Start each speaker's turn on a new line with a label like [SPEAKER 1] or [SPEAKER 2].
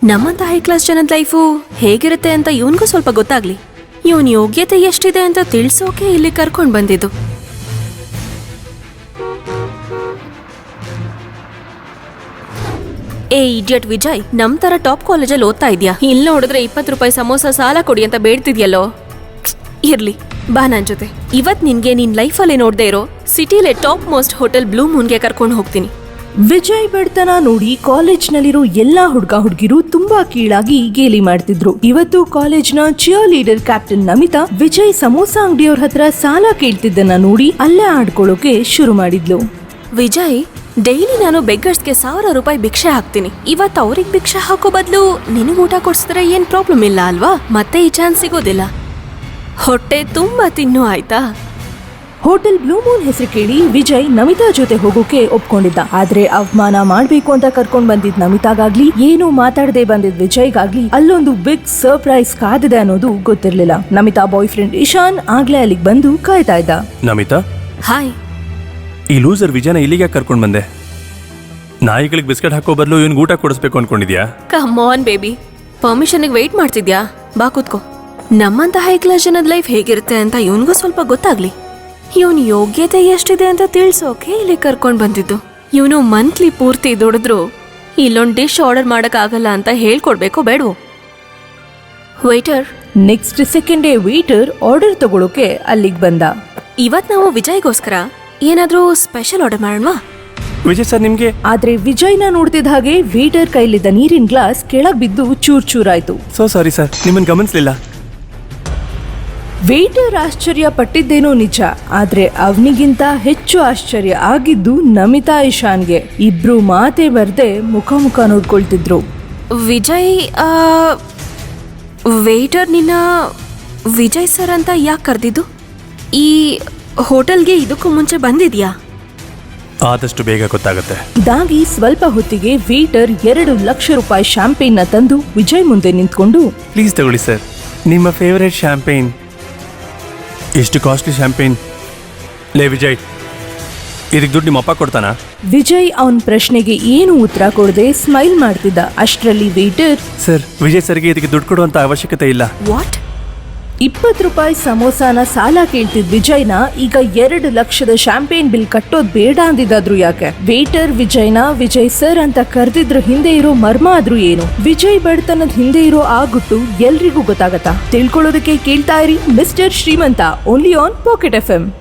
[SPEAKER 1] ನಮ್ಮಂತ high class ಜನದ life ಹೇಗಿರುತ್ತೆ ಅಂತ ಇವನ್ಗೂ ಸ್ವಲ್ಪ ಗೊತ್ತಾಗ್ಲಿ, ಇವನ್ ಯೋಗ್ಯತೆ ಎಷ್ಟಿದೆ ಅಂತ ತಿಳ್ಸೋಕೆ ಇಲ್ಲಿ ಕರ್ಕೊಂಡ್ ಬಂದಿದ್ದು. ಏ ಇಡಿಯಟ್ ವಿಜಯ್, ನಮ್ ತರ ಟಾಪ್ ಕಾಲೇಜಲ್ಲಿ ಓದ್ತಾ ಇದ್ಯಾ? ಇಲ್ಲಿ ನೋಡಿದ್ರೆ 20 ರೂಪಾಯಿ ಸಮೋಸ ಸಾಲ ಕೊಡಿ ಅಂತ ಬೇಡ್ತಿದ್ಯಲ್ಲೋ. ಇರ್ಲಿ ಬಾ ನನ್ ಜೊತೆ. ಇವತ್ ನಿನ್ಗೆ ನಿನ್ ಲೈಫಲ್ಲಿ ನೋಡ್ದೇ ಇರೋ ಸಿಟಿಲೇ ಟಾಪ್ ಮೋಸ್ಟ್ ಹೋಟೆಲ್ ಬ್ಲೂ ಮೂನ್ಗೆ ಕರ್ಕೊಂಡು ಹೋಗ್ತೀನಿ.
[SPEAKER 2] ವಿಜಯ್ ಬಡತನ ನೋಡಿ ಕಾಲೇಜ್ನಲ್ಲಿರೋ ಎಲ್ಲಾ ಹುಡುಗಿರು ತುಂಬಾ ಕೀಳಾಗಿ ಗೇಲಿ ಮಾಡ್ತಿದ್ರು. ಇವತ್ತು ಕಾಲೇಜ್ನ cheerleader captain Namita Vijay samosa ಅಂಗಡಿಯವ್ರ ಹತ್ರ ಸಾಲ ಕೇಳ್ತಿದ್ದನ್ನ ನೋಡಿ ಅಲ್ಲೇ ಆಡ್ಕೊಳ್ಳೋಕೆ ಶುರು ಮಾಡಿದ್ಲು.
[SPEAKER 1] ವಿಜಯ್, ಡೈಲಿ ನಾನು ಬೆಗ್ಗರ್ಸ್ಗೆ 1000 ರೂಪಾಯಿ ಭಿಕ್ಷೆ ಹಾಕ್ತೀನಿ. ಇವತ್ತು ಅವ್ರಿಗೆ ಭಿಕ್ಷೆ ಹಾಕೋ ಬದಲು ನಿನಗೆ ಊಟ ಕೊಡ್ಸಿದ್ರೆ ಏನ್ ಪ್ರಾಬ್ಲಮ್ ಇಲ್ಲ ಅಲ್ವಾ? ಮತ್ತೆ ಈ ಚಾನ್ಸ್ ಸಿಗೋದಿಲ್ಲ. ಹೊಟ್ಟೆ ತುಂಬಾ ತಿನ್ನು ಆಯ್ತಾ?
[SPEAKER 2] ಹೋಟೆಲ್ ಬ್ಲೂ ಮೂನ್ ಹೆಸರು ಕೇಳಿ ವಿಜಯ್ ನಮಿತಾ ಜೊತೆ ಹೋಗೋಕೆ ಒಪ್ಕೊಂಡಿದ್ದ. ಆದ್ರೆ ಅವಮಾನ ಮಾಡ್ಬೇಕು ಅಂತ ಕರ್ಕೊಂಡ್ ಬಂದಿದ್ ನಮಿತಾಗಾಗ್ಲಿ, ಏನು ಮಾತಾಡದೆ ಬಂದಿದ್ ವಿಜಯ್ಗಾಗ್ಲಿ ಅಲ್ಲೊಂದು ಬಿಗ್ ಸರ್ಪ್ರೈಸ್ ಕಾದಿದೆ ಅನ್ನೋದು ಗೊತ್ತಿರ್ಲಿಲ್ಲ. ನಮಿತಾ ಬಾಯ್ ಫ್ರೆಂಡ್ ಇಶಾನ್ ಆಗ್ಲೇ ಅಲ್ಲಿಗೆ ಬಂದು ಕಾಯ್ತಾ ಇದ್ದ.
[SPEAKER 3] ನಮಿತಾ,
[SPEAKER 1] ಹಾಯ್.
[SPEAKER 3] ಈ ಲೂಸರ್ ವಿಜಯನ ಇಲ್ಲಿಗೆ ಕರ್ಕೊಂಡ್ ಬಂದೆ. ನಾಯಿಗಳಿಗೆ ಬಿಸ್ಕೆಟ್ ಹಾಕೋ ಬದಲು ಇವನ್ ಊಟ ಕೊಡಿಸ್ಬೇಕು ಅನ್ಕೊಂಡಿದ್ಯಾ?
[SPEAKER 1] ಕಮ್ ಆನ್ ಬೇಬಿ, ಪರ್ಮಿಷನ್ಗೆ ವೆಯ್ಟ್ ಮಾಡ್ತಿದ್ಯಾ? ಬಾ ಕೂತ್ಕೋ. ನಮ್ಮಂತ ಹೈ ಕ್ಲಾಸ್ ಜನದ ಲೈಫ್ ಹೇಗಿರುತ್ತೆ ಅಂತ ಇವನ್ಗೂ ಸ್ವಲ್ಪ ಗೊತ್ತಾಗ್ಲಿ, ಇವನ್ ಯೋಗ್ಯತೆ ಎಷ್ಟಿದೆ ಅಂತ ತಿಳ್ಸೋಕೆ ಇಲ್ಲಿ ಕರ್ಕೊಂಡ್ ಬಂದಿದ್ದು. ಇವನು ಮಂತ್ಲಿ ಪೂರ್ತಿ ದುಡಿದ್ರು ಇಲ್ಲೊಂದ್ ಡಿಶ್ ಆರ್ಡರ್ ಮಾಡಕ್ ಆಗಲ್ಲ ಅಂತ ಹೇಳ್ಕೊಡ್ಬೇಕೋ ಬೇಡವೋ? ವೇಟರ್.
[SPEAKER 2] ನೆಕ್ಸ್ಟ್ ಸೆಕೆಂಡೇ ವೇಟರ್ ಆರ್ಡರ್ ತಗೊಳೋಕೆ ಅಲ್ಲಿಗೆ ಬಂದ.
[SPEAKER 1] ಇವತ್ ನಾವು ವಿಜಯ್ಗೋಸ್ಕರ ಏನಾದ್ರೂ ಸ್ಪೆಷಲ್ ಆರ್ಡರ್ ಮಾಡೋಣವಾ?
[SPEAKER 3] ವಿಜಯ್ ಸರ್ ನಿಮ್ಗೆ.
[SPEAKER 2] ಆದ್ರೆ ವಿಜಯ್ನ ನೋಡ್ತಿದ್ದ ಹಾಗೆ ವೇಟರ್ ಕೈಲಿದ್ದ ನೀರಿನ ಗ್ಲಾಸ್ ಕೆಳಗ್ ಬಿದ್ದು ಚೂರಾಯ್ತು.
[SPEAKER 3] ಸೋ ಸಾರಿ ಸರ್, ನಿಮ್ಮನ್ ಗಮನಿಸ್ಲಿಲ್ಲ.
[SPEAKER 2] ವೇಟರ್ ಆಶ್ಚರ್ಯ ಪಟ್ಟಿದ್ದೇನೋ ನಿಜ, ಆದ್ರೆ ಅವನಿಗಿಂತ ಹೆಚ್ಚು ಆಶ್ಚರ್ಯ ಆಗಿದ್ದು ನಮಿತಾ ಇಶಾನ್ಗೆ. ಇಬ್ರು ಮಾತೇ ಬರ್ದೆ ಮುಖ ನೋಡ್ಕೊಳ್ತಿದ್ರು.
[SPEAKER 1] ವಿಜಯ್, ವೇಟರ್ ನಿನ್ನ ವಿಜಯ್ ಸರ್ ಅಂತ ಯಾಕೆ ಕರೆದಿದ್ದು? ಈ ಹೋಟೆಲ್ಗೆ ಇದಕ್ಕೂ ಮುಂಚೆ ಬಂದಿದ್ಯಾ?
[SPEAKER 3] ಆದಷ್ಟು ಬೇಗ ಗೊತ್ತಾಗುತ್ತೆ.
[SPEAKER 2] ಇದಾಗಿ ಸ್ವಲ್ಪ ಹೊತ್ತಿಗೆ ವೇಟರ್ 2 ಲಕ್ಷ ರೂಪಾಯಿ ಶಾಂಪೇನ್ ನ ತಂದು ವಿಜಯ್ ಮುಂದೆ ನಿಂತ್ಕೊಂಡು,
[SPEAKER 3] ಪ್ಲೀಸ್ ತಗೊಳ್ಳಿ ಸರ್, ನಿಮ್ಮ ಫೇವರೇಟ್ ಶಾಂಪೇನ್. ಎಷ್ಟು ಕಾಸ್ಟ್ಲಿ ಶಾಂಪೇನ್. ಲೇ ವಿಜಯ್, ಇದಕ್ಕೆ ದುಡ್ಡು ನಿಮ್ಮ ಅಪ್ಪ ಕೊಡ್ತಾನ?
[SPEAKER 2] ವಿಜಯ್ ಅವನ್ ಪ್ರಶ್ನೆಗೆ ಏನು ಉತ್ತರ ಕೊಡದೆ ಸ್ಮೈಲ್ ಮಾಡ್ತಿದ್ದ. ಅಷ್ಟರಲ್ಲಿ ವೇಟರ್,
[SPEAKER 3] ಸರ್, ವಿಜಯ್ ಸರ್ಗೆ ಇದಕ್ಕೆ ದುಡ್ಡು ಕೊಡುವಂತ ಅವಶ್ಯಕತೆ ಇಲ್ಲ.
[SPEAKER 1] ವಾಟ್?
[SPEAKER 2] 20 ರೂಪಾಯಿ ಸಮೋಸಾನ ಸಾಲ ಕೇಳ್ತಿದ್ ವಿಜಯ್ನ ಈಗ 2 ಲಕ್ಷದ ಶಾಂಪೇನ್ ಬಿಲ್ ಕಟ್ಟೋದ್ ಬೇಡ ಅಂದಿದ್ದಾದ್ರು ಯಾಕೆ? ವೇಟರ್ ವಿಜಯ್ನ ವಿಜಯ್ ಸರ್ ಅಂತ ಕರೆದಿದ್ರ ಹಿಂದೆ ಇರೋ ಮರ್ಮ ಆದ್ರೂ ಏನು? ವಿಜಯ್ ಬಡತನದ ಹಿಂದೆ ಇರೋ ಆ ಗುಟ್ಟು ಎಲ್ರಿಗೂ ಗೊತ್ತಾಗತ್ತಾ? ತಿಳ್ಕೊಳ್ಳೋದಕ್ಕೆ ಕೇಳ್ತಾ ಇರಿ ಮಿಸ್ಟರ್ ಶ್ರೀಮಂತ, ಓನ್ಲಿ ಆನ್ ಪಾಕೆಟ್ FM.